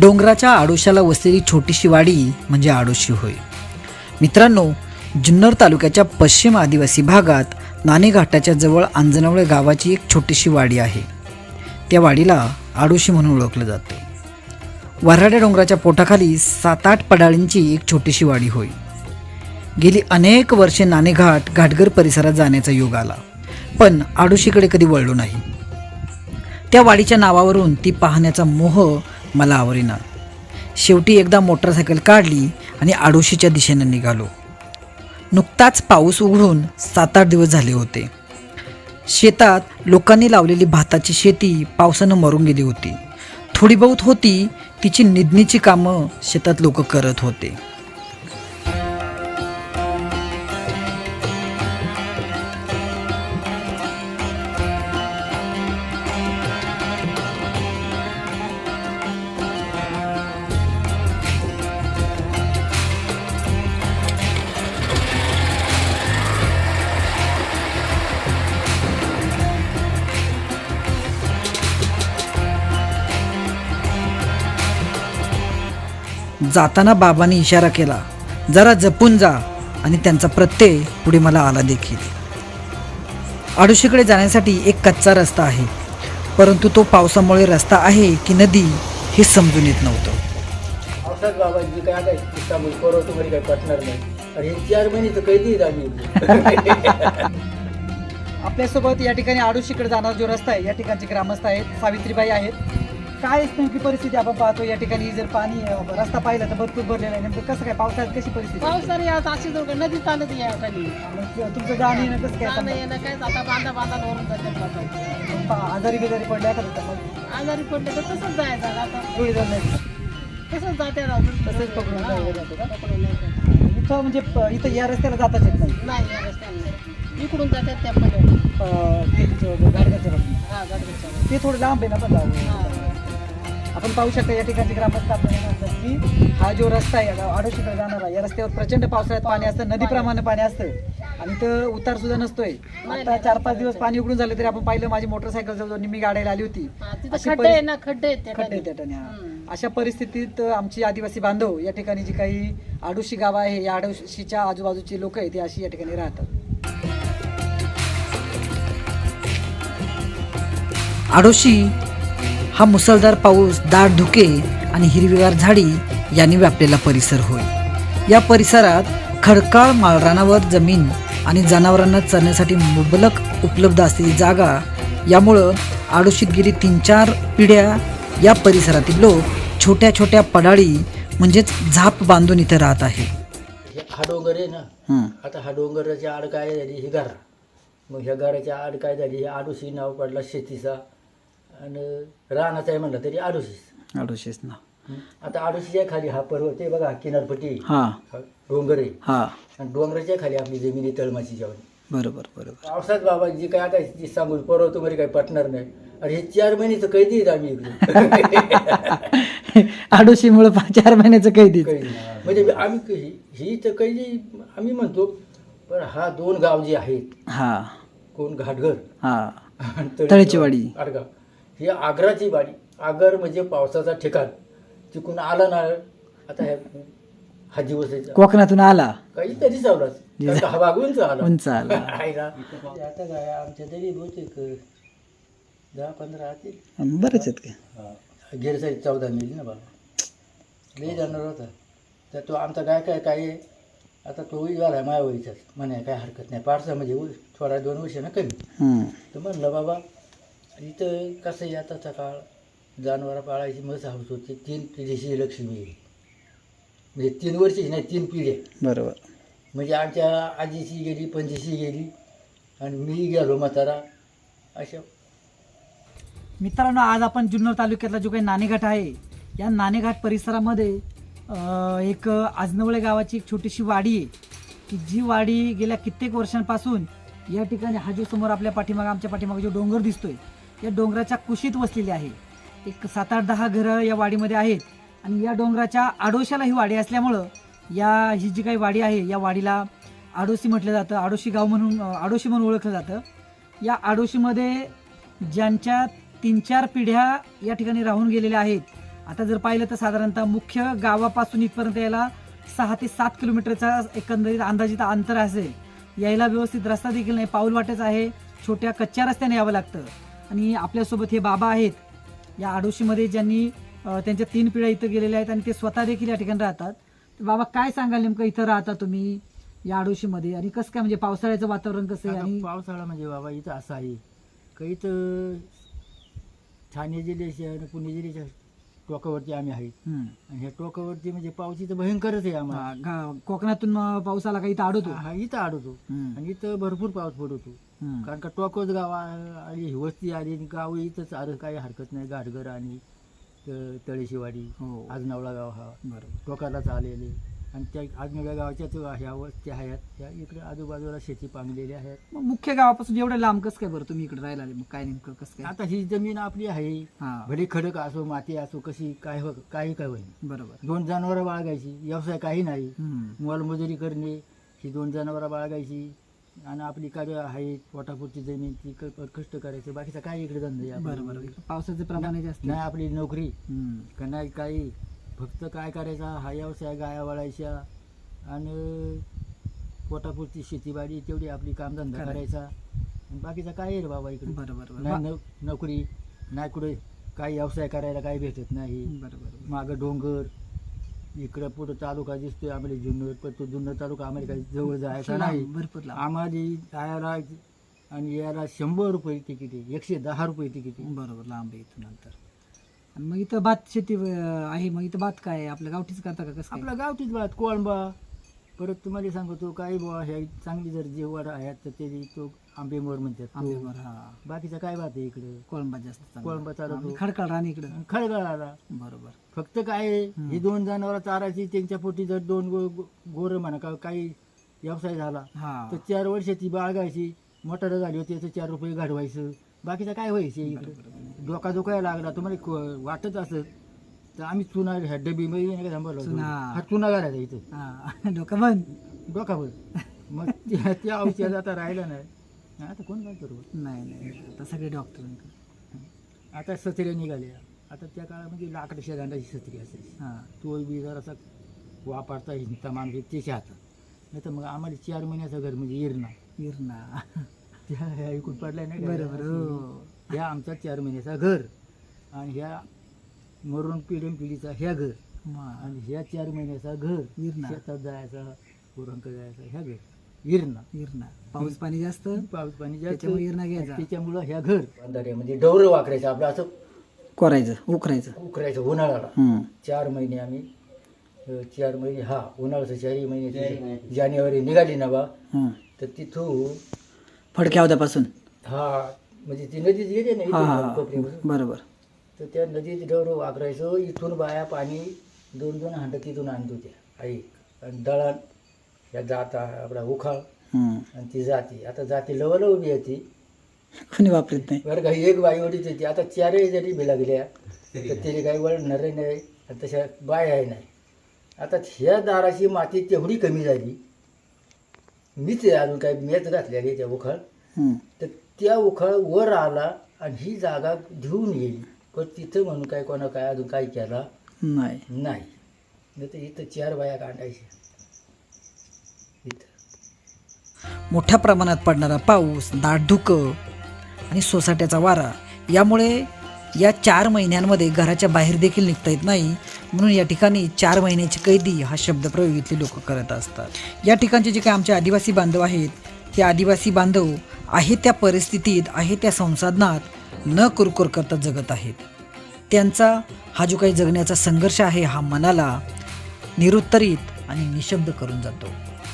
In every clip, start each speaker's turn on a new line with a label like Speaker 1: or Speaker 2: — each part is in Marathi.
Speaker 1: डोंगराच्या आडोशाला वसलेली छोटीशी वाडी म्हणजे आडोशी होय. मित्रांनो, जुन्नर तालुक्याच्या पश्चिम आदिवासी भागात नाणे घाटाच्या जवळ आंजणवळे गावाची एक छोटीशी वाडी आहे. त्या वाडीला आडोशी म्हणून ओळखलं जातं. वऱ्हाड्या डोंगराच्या पोटाखाली 7-8 पडाळींची एक छोटीशी वाडी होय. गेली अनेक वर्षे नाणेघाट घाटघर परिसरात जाण्याचा योग आला, पण आडोशीकडे कधी वळलो नाही. त्या वाडीच्या नावावरून ती पाहण्याचा मोह मला आवरेना. शेवटी एकदा मोटरसायकल काढली आणि आडोशीच्या दिशेनं निघालो. नुकताच पाऊस उघडून 7-8 दिवस झाले होते. शेतात लोकांनी लावलेली भाताची शेती पावसानं मरून गेली होती. थोडी बहुत होती, तिची निधनीची कामं शेतात लोक करत होते. जाताना बाबांनी इशारा केला, जरा जपून जा, आणि त्यांचा प्रत्यय पुढे मला आला देखील. आडोशीकडे जाण्यासाठी एक कच्चा रस्ता आहे, परंतु तो पावसामुळे रस्ता आहे की नदी हे समजून येत नव्हतं.
Speaker 2: पावसात बाबा जी काय आता इस्तांबूल परवतो घरी काही पटणार नाही, आणि हे 4 महिने तर कैदी आम्ही.
Speaker 1: आपल्यासोबत या ठिकाणी आडोशीकडे जाणारा जो रस्ता आहे, या ठिकाणचे ग्रामस्थ आहेत, सावित्रीबाई आहेत. काय नेमकी परिस्थिती आपण पाहतो या ठिकाणी? जर पाणी रस्ता पाहिला तर भरपूर भरलेला आहे. नेमकं कसं काय पावसाळ्यात कशी परिस्थिती?
Speaker 3: पावसाळी आता अशी नदी चालत या खाली
Speaker 1: तुमचं जाणं येणं कसं
Speaker 3: जाणं
Speaker 1: काय?
Speaker 3: येणं काय आता बांधा वरून जातात.
Speaker 1: आजारी बिजारी पडल्या तर
Speaker 3: आजारी पडले तर तसंच जायचं आता, तसंच जाते
Speaker 1: तसंच पकडून जायला जातं का?
Speaker 3: पकडून नाही
Speaker 1: इथं म्हणजे इथं या रस्त्याला जाताच येत नाही.
Speaker 3: नाही या रस्त्याने नाही. इकडून जातात त्या पकडून
Speaker 1: गाडग्याच्या बाजूने.
Speaker 3: हा गाडगेच्या
Speaker 1: ते थोडं लांब आहे ना, पण जाऊ. आपण पाहू शकता या ठिकाणचे ग्रामस्थ आपल्याला सांगतात की हा जो रस्ता आहे आडोशीकडे जाणारा, या रस्त्यावर प्रचंड पावसाळ्यात पाणी असतं, नदीप्रमाणे पाणी असतं, आणि तर उतार सुद्धा नसतोय. आता 4-5 दिवस पाणी उघडून झाले तरी आपण पाहिलं, माझी मोटरसायकल जवळ मी गाड्याला आली होती.
Speaker 3: तिथं
Speaker 1: अशी
Speaker 3: खड्डे आहे ना, खड्डे आहेत त्या
Speaker 1: खड्डे
Speaker 3: खाली.
Speaker 1: त्या ठिकाणी. अशा परिस्थितीत आमची आदिवासी बांधव या ठिकाणी जी काही आडोशी गाव आहे, या आडोशीच्या आजूबाजूची लोक आहेत, ते अशी या ठिकाणी राहतात. आडोशी हा मुसळधार पाऊस, दाट धुके आणि हिरवीगार झाडी यांनी व्यापलेला परिसर होय. या परिसरात खडकाळ माळरानावर जमीन आणि जनावरांना चरण्यासाठी मुबलक उपलब्ध असलेली जागा, यामुळं आडोशीत गेली 3-4 पिढ्या या परिसरातील लोक छोट्या छोट्या पडाळी म्हणजेच झाप बांधून इथे राहत आहे.
Speaker 2: हा डोंगर आहे ना, आता हा डोंगराच्या आड काय झाली ही गार, मग ह्या गाराच्या आड काय झाली, हे आडोशी नाव पडला शेतीचा, आणि रानाचा आहे म्हणलं तरी
Speaker 1: आडोशीच ना.
Speaker 2: आता आडोशीच्या खाली हा पर्वत आहे बघा, किनारपट्टी,
Speaker 1: हा
Speaker 2: डोंगर आहे,
Speaker 1: हा
Speaker 2: आणि डोंगराच्या खाली आपली जमिनी तळमाची जेवण.
Speaker 1: बरोबर बरोबर.
Speaker 2: पावसात बाबा जी काय आता जी सांगू पर्वत मध्ये काही पटणार नाही, आणि हे 4 महिने तर कैदी आहेत आम्ही इकडे.
Speaker 1: आडोशीमुळे 4 महिन्याचं कैदी.
Speaker 2: कैदी म्हणजे आम्ही ही तर कैदी आम्ही म्हणतो, पण हा 2 गाव जे आहेत,
Speaker 1: हा
Speaker 2: कोण घाटघर
Speaker 1: हा
Speaker 2: आणि
Speaker 1: तळेची वाडी,
Speaker 2: आडगाव, ही आग्राची वाडी. आगर म्हणजे पावसाचा ठिकाण. तिकडून आला ना, आता हा दिवस
Speaker 1: कोकणातून आला
Speaker 2: काहीतरी चावलाच, हा बागूनच आला
Speaker 1: उंच आला.
Speaker 2: आता काय आमच्या तरी बहुतेक 10-15 असतील.
Speaker 1: बरेच आहेत का?
Speaker 2: गेरसाई 14 मिली ना बाबा, लई जाणार होता. तर तो आमचा काय आहे, आता तोही झाला आहे मायावरीचाच, म्हणे काय हरकत नाही, पारसा म्हणजे थोडा 2 वर्ष ना कमी. तर म्हणलं बाबा इथं कसं आहे, आताचा काळ जनावरं पाळायची मस्त हौस होती. 3 पिढीची लक्ष्मी आहे, म्हणजे 3 वर्षाची नाही, 3 पिढ्या.
Speaker 1: बरोबर.
Speaker 2: म्हणजे आमच्या आजीची गेली, पंजीची गेली, आणि मी गेलो म्हातारा. अशा
Speaker 1: मित्रांनो, आज आपण जुन्नर तालुक्यातला जो काही नाणेघाट आहे, या नाणेघाट परिसरामध्ये एक आजनवळे गावाची एक छोटीशी वाडी आहे, की जी वाडी गेल्या कित्येक वर्षांपासून या ठिकाणी हा जो समोर आपल्या पाठीमागे, आमच्या पाठीमागे जो डोंगर दिसतोय, या डोंगराच्या कुशीत वसलेली आहे. एक 7-8-10 घरं या वाडीमध्ये आहेत, आणि या डोंगराच्या आडोशाला ही वाडी असल्यामुळं ही जी काही वाडी आहे, या वाडीला आडोशी म्हटलं जातं. आडोशी गाव म्हणून, आडोशी म्हणून ओळखलं जातं. या आडोशीमध्ये ज्यांच्या 3-4 पिढ्या या ठिकाणी राहून गेलेल्या आहेत,
Speaker 4: आता जर पाहिलं तर साधारणतः मुख्य गावापासून इथपर्यंत यायला 6 ते 7 किलोमीटरचा एकंदरीत अंदाजित अंतर असेल. यायला व्यवस्थित रस्ता देखील नाही, पाऊल वाटेच आहे, छोट्या कच्च्या रस्त्याने यावं लागतं. आणि आपल्यासोबत हे बाबा आहेत या आडोशीमध्ये, ज्यांनी त्यांच्या 3 पिढ्या इथं गेलेल्या आहेत आणि ते स्वतः देखील या ठिकाणी राहतात. तर बाबा काय सांगाल नेमकं इथं राहता तुम्ही या आडोशीमध्ये, आणि कसं काय म्हणजे पावसाळ्याचं वातावरण कसं आहे? आणि
Speaker 2: पावसाळा म्हणजे बाबा इथं असं आहे, काही तर ठाणे जिल्ह्याच्या आणि पुणे जिल्ह्याच्या टोकावरती आम्ही आहे. आणि ह्या टोकावरती म्हणजे पाऊस इथं भयंकरच आहे आम्हाला.
Speaker 4: कोकणातून पाऊस आला का इथं आडवतो?
Speaker 2: हा इथं आडवतो आणि इथं भरपूर पाऊस पडतो. कारण का टोकच गाव आली, वस्ती आली, आणि गाव इथंच आलं, काही हरकत नाही. गाडगर आणि तळेशिवाडी, आजनावळा गाव हा
Speaker 4: बरोबर
Speaker 2: टोकालाच आलेले. आणि त्या आजनावळ्या गावाच्या ह्या वस्ती आहेत, त्या इकडे आजूबाजूला शेती पांगलेल्या आहेत.
Speaker 4: मग मुख्य गावापासून एवढं लांब कसं काय बरं तुम्ही इकडे राहायला आले? मग काय नेमकं कसं काय?
Speaker 2: आता ही जमीन आपली आहे,
Speaker 4: हा
Speaker 2: भले खडक असो, माती असो, कशी काय काही काय होईल.
Speaker 4: बरोबर.
Speaker 2: 2 जनावरं बाळगायची, व्यवसाय काही नाही, मोलमजुरी करणे, ही 2 जनावरं बाळगायची आणि आपली काय आहे पोटापुरती जमीन, ती कष्ट करायचं, बाकीचा काय इकडे धंदा आहे.
Speaker 4: बरोबर. पावसाचं प्रमाण जास्त
Speaker 2: नाही आपली नोकरी का नाही काही, फक्त काय करायचा हा व्यवसाय, गाया वळायच्या आणि पोटापुरती शेतीबाडी तेवढी आपली कामधंदा करायचा, आणि बाकीचा काय आहे रे बाबा इकडे.
Speaker 4: बरोबर.
Speaker 2: नाही नोकरी नाही, कुठे काही व्यवसाय करायला काही भेटत नाही.
Speaker 4: बरोबर.
Speaker 2: मागं डोंगर, इकडं पुढं तालुका दिसतोय आम्हाला जुन्नर, पण तो जुन्नर तालुका आम्हाला काही जवळ जायचा नाही.
Speaker 4: भरपूर लांब.
Speaker 2: आम्हाला जायला आणि यायला 100 रुपये तिकीट आहे, 110 रुपये तिकीट आहे.
Speaker 4: बरोबर, लांब आहे इथून नंतर. आणि मग इथं भात शेती आहे, मग इथं भात काय आहे? आपल्या गावठीच करता का कसं काय?
Speaker 2: आपला गावठीच भात, कोळंबा. परत तुम्हाला सांगतो काही बुवा ह्या चांगली जर जेवण आहेत तर ते तो आंबेमोर म्हणतात तो.
Speaker 4: आंबेमोर, हा.
Speaker 2: बाकीचा काय भात आहे इकडे?
Speaker 4: कोळंबा जास्त चांगला.
Speaker 2: कोळंबा चालतो,
Speaker 4: खडकाळ राणी इकडं.
Speaker 2: खळगळाला.
Speaker 4: बरोबर.
Speaker 2: फक्त काय आहे, ही 2 जनावरं चारायची, त्यांच्या पोटी जर 2 गोरं म्हणा का काही व्यवसाय झाला
Speaker 4: हा
Speaker 2: तर 4 वर्षाची बाळगायची, मोटर झाली होती तर 4 रुपये घडवायचं, बाकीचं काय व्हायचं इकडे. डोका दुखायला लागला तुम्हाला वाटत असत तर आम्ही चुना ह्या डबीमध्ये नाही का थांबवलं, हा चुना घालायचा इथं,
Speaker 4: हा डोका बंद,
Speaker 2: डोकावर. मग त्या औषध आता राहिलं नाही. आता कोण काय करू?
Speaker 4: नाही आता सगळे डॉक्टर.
Speaker 2: आता सत्र्या निघाल्या. आता त्या काळामध्ये लाकड शेगांडाची सत्री असायची,
Speaker 4: हा
Speaker 2: तो बी जरासा वापरता हिंता माणूस त्याच्या हातात. नाही तर मग आम्हाला 4 महिन्याचं घर म्हणजे इरणा त्या ऐकून पडलाय नाही.
Speaker 4: बरोबर.
Speaker 2: ह्या आमचा 4 महिन्याचा घर, आणि ह्या मरून पिढीचा ह्या घर, आणि ह्या 4 महिन्याचा घर
Speaker 4: इरणा.
Speaker 2: शेतात जायचा, पुरणक जायचा, ह्या घर इरणा.
Speaker 4: पाऊस पाणी जास्त,
Speaker 2: पाऊस पाणी जास्त,
Speaker 4: त्याच्यामुळे इरणा घ्यायचा.
Speaker 2: त्याच्यामुळं ह्या घर अंधारे म्हणजे डवरं वाकरायचं आपलं, असं
Speaker 4: करायचं, उकरायचं
Speaker 2: उन्हाळ्याला. 4 महिने आम्ही 4 महिने हा उन्हाळ्याचं 4 महिने जानेवारी निघाली ना बा, तर तिथून
Speaker 4: फडक्या होत्यापासून
Speaker 2: हा म्हणजे ती नदीच गेली ना इथून कोपऱ्यापासून.
Speaker 4: बरोबर.
Speaker 2: तर त्या नदीत डवरं वाकरायचं. इथून बाया पाणी 2-2 हांड तिथून आणतो त्या आई, आणि दळण ह्या जाता आपला उखाळ, आणि ती जाती. आता जाती लवलं उभी येते,
Speaker 4: कोणी वापरत नाही
Speaker 2: बरं का. एक बाई ओढीच होती. आता 4 जरी बी लागल्या तर तिने काही वळणार नाही, आणि तशा बाया नाही. आता ह्या दाराची माती तेवढी कमी झाली, मीच अजून काही मेच घातलेली त्या उखाळ, तर त्या उखाळ वर आला आणि ही जागा घेऊन गेली. पण तिथं म्हणून काय कोणा काय अजून काही केला
Speaker 4: नाही.
Speaker 2: नाही तर इथं 4 बाया काढायच्या इथं.
Speaker 1: मोठ्या प्रमाणात पडणारा पाऊस, दाट धुकं आणि सोसाट्याचा वारा यामुळे या 4 महिन्यांमध्ये घराच्या बाहेर देखील निघता येत नाही. म्हणून या ठिकाणी 4 महिन्याची कैदी हा शब्दप्रयोग इथले लोक करत असतात. या ठिकाणचे जे काही आमचे आदिवासी बांधव आहेत, ते आदिवासी बांधव आहे त्या परिस्थितीत, आहे त्या संसाधनात न कुरकुर करता जगत आहेत. त्यांचा हा जो काही जगण्याचा संघर्ष आहे हा मनाला निरुत्तरित आणि निशब्द करून जातो.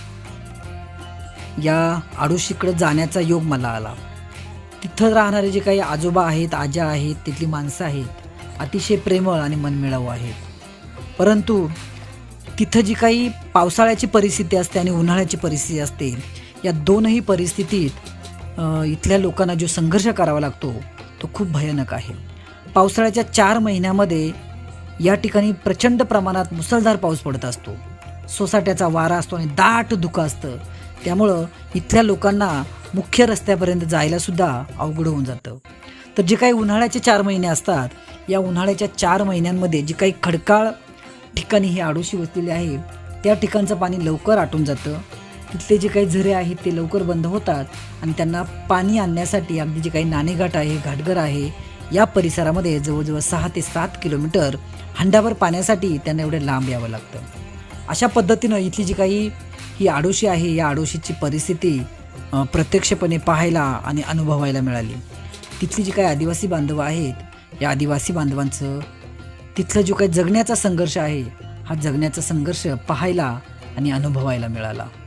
Speaker 1: या आडोशीकडे जाण्याचा योग मला आला. तिथं राहणारे जे काही आजोबा आहेत, आज्या आहेत, तिथली माणसं आहेत, अतिशय प्रेमळ आणि मनमिळावू आहेत. परंतु तिथं जी काही पावसाळ्याची परिस्थिती असते आणि उन्हाळ्याची परिस्थिती असते, या दोनही परिस्थितीत इथल्या लोकांना जो संघर्ष करावा लागतो तो खूप भयानक आहे. पावसाळ्याच्या 4 महिन्यामध्ये या ठिकाणी प्रचंड प्रमाणात मुसळधार पाऊस पडत असतो, सोसाट्याचा वारा असतो आणि दाट धुकं असतं. त्यामुळं इथल्या लोकांना मुख्य रस्त्यापर्यंत जायला सुद्धा अवघड होऊन जातं. तर जे काही उन्हाळ्याचे 4 महिने असतात, या उन्हाळ्याच्या 4 महिन्यांमध्ये जी काही खडकाळ ठिकाणी ही आडोशी वसलेली आहे, त्या ठिकाणचं पाणी लवकर आटून जातं. तिथले जे काही झरे आहेत ते लवकर बंद होतात आणि त्यांना पाणी आणण्यासाठी अगदी जे काही नाणेघाट आहे, घाटघर आहे, या परिसरामध्ये जवळजवळ 6 ते 7 किलोमीटर हंडाभर पाण्यासाठी त्यांना एवढे लांब यावं लागतं. अशा पद्धतीनं इथली जी काही ही आडोशी आहे, या आडोशीची परिस्थिती प्रत्यक्षपणे पाहायला आणि अनुभवायला मिळाली. तिथली जी काही आदिवासी बांधव आहेत, या आदिवासी बांधवांचं तिथलं जो काही जगण्याचा संघर्ष आहे, हा जगण्याचा संघर्ष पाहायला आणि अनुभवायला मिळाला.